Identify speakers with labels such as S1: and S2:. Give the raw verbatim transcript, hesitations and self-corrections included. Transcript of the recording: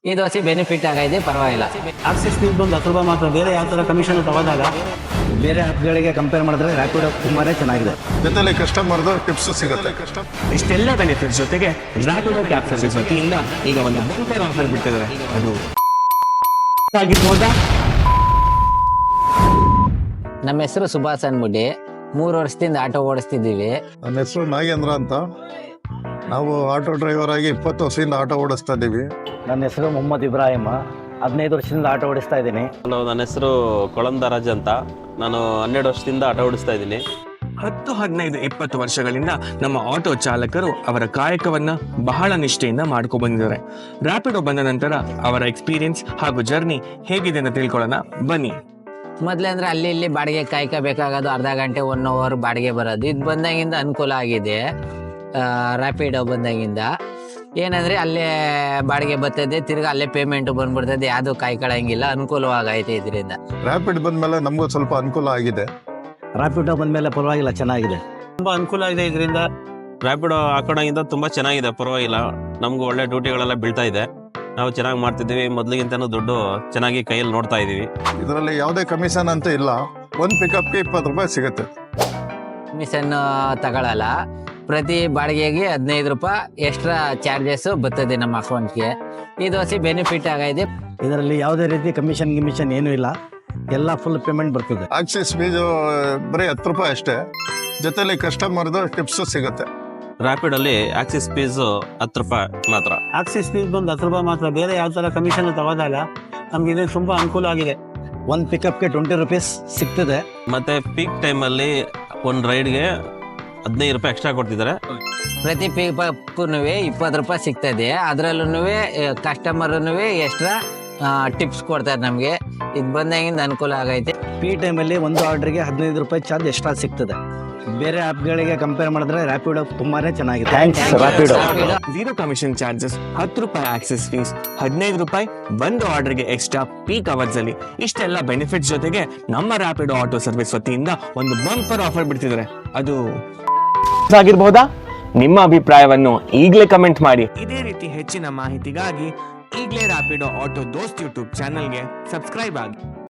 S1: ಈ ದೋಸೆ ಬೆನಿಫಿಟ್ ಆಗೈತೆ, ಪರವಾಗಿಲ್ಲ.
S2: ಆಕ್ಸಿಸ್ ಫೀಸ್ ಒಂದು ಹತ್ತು ರೂಪಾಯಿ ಮಾತ್ರ, ಬೇರೆ ಯಾವ ಥರ ಕಮಿಷನ್ ತಗೋದಾಗ ಬೇರೆ ಆ್ಯಪ್ಗಳಿಗೆ ಕಂಪೇರ್ ಮಾಡಿದ್ರೆ ರ್ಯಾಪಿಡೋ ತುಂಬಾ ಚೆನ್ನಾಗಿದೆ.
S3: ಜೊತೆಲಿ ಕಸ್ಟಮರ್ದು ಟಿಪ್ಸ್ ಸಿಗುತ್ತೆ.
S4: ಇಷ್ಟೆಲ್ಲ ಬೆನಿಫಿಟ್ಸ್ ಜೊತೆಗೆ ರ್ಯಾಪಿಡೋ ಕ್ಯಾಬ್ ಸರ್ವಿಸ್ ವತಿಯಿಂದ ಈಗ ಒಂದು ಬಂಪರ್ ಆಫರ್ ಬಿಟ್ಟಿದ್ದಾರೆ. ಅದು ಆಗಿರ್ಬೋದಾ?
S1: ನಮ್ಮ ಹೆಸರು ಸುಭಾಷ್ ಅನ್ಬಿಟ್ಟು ಮೂರು ವರ್ಷದಿಂದ ಆಟೋ ಓಡಿಸ್ತಿದ್ದೀವಿ.
S3: ನನ್ನ ಹೆಸರು ನಾಗೇಂದ್ರ ಅಂತ. ನಾವು ಆಟೋ ಡ್ರೈವರ್ ಆಗಿ ಇಪ್ಪತ್ತು ವರ್ಷದಿಂದ ಆಟೋ ಓಡಿಸ್ತಾ ಇದ್ದೀವಿ.
S2: ನನ್ನ ಹೆಸರು ಮೊಹಮ್ಮದ್ ಇಬ್ರಾಹಿಮ, ಹದಿನೈದು ವರ್ಷದಿಂದ ಆಟೋ ಓಡಿಸ್ತಾ ಇದ್ದೀನಿ.
S5: ಹಲೋ, ನನ್ನ ಹೆಸರು ಕೊಳಂದರಾಜ್ ಅಂತ. ನಾನು ಹನ್ನೆರಡು ವರ್ಷದಿಂದ ಆಟೋ ಓಡಿಸ್ತಾ ಇದ್ದೀನಿ.
S4: ಹತ್ತು ಹದಿನೈದು ಇಪ್ಪತ್ತು ವರ್ಷಗಳಿಂದ ನಮ್ಮ ಆಟೋ ಚಾಲಕರು ಅವರ ಕಾಯಕವನ್ನ ಬಹಳ ನಿಷ್ಠೆಯಿಂದ ಮಾಡ್ಕೊ ಬಂದಿದ್ದಾರೆ. ರ್ಯಾಪಿಡೋ ಬಂದ ನಂತರ ಅವರ ಎಕ್ಸ್ಪೀರಿಯನ್ಸ್ ಹಾಗೂ ಜರ್ನಿ ಹೇಗಿದೆ ಅಂತ ತಿಳ್ಕೊಳ್ಳೋಣ ಬನ್ನಿ.
S1: ಮೊದಲೇ ಅಂದ್ರೆ ಅಲ್ಲಿ ಇಲ್ಲಿ ಬಾಡಿಗೆ ಕಾಯ್ಕೋಬೇಕಾಗೋದು, ಅರ್ಧ ಗಂಟೆ ಒನ್ ಅವರ್ ಬಾಡಿಗೆ ಬರೋದು. ಇದು ಬಂದಾಗಿಂದ ಅನುಕೂಲ ಆಗಿದೆ. ರ್ಯಾಪಿಡೋ ಬಂದಾಗಿಂದ ಏನಂದ್ರೆ ಅಲ್ಲೇ ಬಾಡಿಗೆ ಬರ್ತದೆ, ತಿರ್ಗಿ ಅಲ್ಲೇ ಪೇಮೆಂಟ್ ಬಂದ್ಬಿಡ್ತದೆ, ಯಾವುದು ಕಾಯ್ಕೊಳ್ಳಂಗಿಲ್ಲ, ಅನುಕೂಲವಾಗೈತೆ ಇದರಿಂದ.
S3: ರ್ಯಾಪಿಡ್ ಬಂದ್ಮೇಲೆ ನಮಗೂ ಸ್ವಲ್ಪ ಅನುಕೂಲ ಆಗಿದೆ.
S2: ರ್ಯಾಪಿಡೋ ಬಂದಮೇಲೆ ಪರವಾಗಿಲ್ಲ, ಚೆನ್ನಾಗಿದೆ, ತುಂಬ ಅನುಕೂಲ ಇದೆ ಇದರಿಂದ.
S5: ರ್ಯಾಪಿಡೋ ಹಾಕೋಣಗಿಂತ ತುಂಬ ಚೆನ್ನಾಗಿದೆ, ಪರವಾಗಿಲ್ಲ. ನಮಗೂ ಒಳ್ಳೆ ಡ್ಯೂಟಿಗಳೆಲ್ಲ ಬೀಳ್ತಾ ಇದೆ. ನಾವು ಚೆನ್ನಾಗಿ ಮಾಡ್ತಿದ್ದೀವಿ. ಮೊದಲಿಗಿಂತನೂ ದುಡ್ಡು ಚೆನ್ನಾಗಿ ಕೈಯಲ್ಲಿ ನೋಡ್ತಾ ಇದ್ದೀವಿ.
S3: ಇದರಲ್ಲಿ ಯಾವುದೇ ಕಮಿಷನ್ ಅಂತ ಇಲ್ಲ. ಒಂದು ಪಿಕಪ್ಗೆ ಇಪ್ಪತ್ತು ರೂಪಾಯಿ ಸಿಗುತ್ತೆ.
S1: ಕಮಿಷನ್ ತಗೊಳ್ಳಲ್ಲ. ಪ್ರತಿ ಬಾಡಿಗೆಗೆ ಹದಿನೈದು ರೂಪಾಯಿ ಎಕ್ಸ್ಟ್ರಾ ಚಾರ್ಜಸ್ ಬರ್ತದೆ ನಮ್ಮ ಅಕೌಂಟ್ಗೆ. ಈ ದೋಸೆ ಬೆನಿಫಿಟ್ ಆಗೈತೆ.
S2: ಇದರಲ್ಲಿ ಯಾವುದೇ ರೀತಿ ಕಮಿಷನ್ ಗಿಮಿಷನ್ ಏನೂ ಇಲ್ಲ, ಎಲ್ಲ ಫುಲ್ ಪೇಮೆಂಟ್ ಬರ್ತದೆ.
S3: ಆಕ್ಸಿಸ್ ಫೀಸು ಬರೀ ಹತ್ತು ರೂಪಾಯಿ ಅಷ್ಟೇ. ಜೊತೆಲಿ ಕಸ್ಟಮರ್ದು ಟಿಪ್ಸ್ ಸಿಗುತ್ತೆ.
S5: ರ್ಯಾಪಿಡಲ್ಲಿ ಆಕ್ಸಿಸ್ ಫೀಸು ಹತ್ತು ರೂಪಾಯಿ ಮಾತ್ರ.
S2: ಆಕ್ಸಿಸ್ ಫೀಸ್ ಒಂದು ಹತ್ತು ರೂಪಾಯಿ ಮಾತ್ರ, ಬೇರೆ ಯಾವ ಥರ ಕಮಿಷನ್ ತಗೋದಾಗ ನಮ್ಗೆ ಇದು ತುಂಬ ಅನುಕೂಲ ಆಗಿದೆ. ಒಂದು ಪಿಕಪ್ಗೆ ಟ್ವೆಂಟಿ ರುಪೀಸ್ ಸಿಗ್ತದೆ.
S5: ಮತ್ತೆ ಪೀಕ್ ಟೈಮಲ್ಲಿ ಒಂದು ರೈಡ್ಗೆ ಹದಿನೈದು ರೂಪಾಯಿ ಎಕ್ಸ್ಟ್ರಾ ಕೊಡ್ತಿದ್ದಾರೆ.
S1: ಪ್ರತಿ ಪಿಕಪ್ಗೂ ಇಪ್ಪತ್ತು ರೂಪಾಯಿ ಸಿಗ್ತದೆ. ಅದರಲ್ಲೂ ಕಸ್ಟಮರ್ನು ಎಕ್ಸ್ಟ್ರಾ ಟಿಪ್ಸ್ ಕೊಡ್ತಾರೆ ನಮಗೆ. ಇದು ಬಂದಾಗಿಂದ ಅನುಕೂಲ ಆಗೈತೆ.
S2: ಪಿ ಟೈಮಲ್ಲಿ ಒಂದು ಆರ್ಡ್ರಿಗೆ ಹದಿನೈದು ರೂಪಾಯಿ ಚಾರ್ಜ್ ಎಕ್ಸ್ಟ್ರಾ ಸಿಗ್ತದೆ. ಬೇರೆ ಆ್ಯಪ್ಗಳಿಗೆ ಕಂಪೇರ್ ಮಾಡಿದ್ರೆ ರ್ಯಾಪಿಡೋ ತುಂಬಾನೇ ಚೆನ್ನಾಗಿದೆ. Thanks Rapido.
S4: Zero commission charges, ಹತ್ತು ರೂಪಾಯಿ ಆಕ್ಸೆಸ್ ಫೀಸ್, ಹದಿನೈದು ರೂಪಾಯಿ ಒಂದು ಆರ್ಡರ್ಗೆ ಎಕ್ಸ್ಟ್ರಾ ಪೀಕ್ ಅವರ್ಸ್ ಅಲ್ಲಿ ಇಷ್ಟೆಲ್ಲ ಬೆನಿಫಿಟ್ಸ್ ಜೊತೆಗೆ ನಮ್ಮ ರ್ಯಾಪಿಡೋ ಆಟೋ ಸರ್ವಿಸ್ ವತಿಯಿಂದ ಒಂದು ಬಂಪರ್ ಆಫರ್ ಬಿಡ್ತಿದ್ದಾರೆ. ಅದು ಆಗಿರ್ಬಹುದಾ? ನಿಮ್ಮ ಅಭಿಪ್ರಾಯವನ್ನು ಈಗಲೇ ಕಮೆಂಟ್ ಮಾಡಿ. ಇದೇ ರೀತಿ ಹೆಚ್ಚಿನ ಮಾಹಿತಿಗಾಗಿ ಈಗಲೇ ರ್ಯಾಪಿಡೋ ಆಟೋ ದೋಸ್ತ್ ಯೂಟ್ಯೂಬ್ ಚಾನೆಲ್ಗೆ ಸಬ್ಸ್ಕ್ರೈಬ್ ಆಗಿ.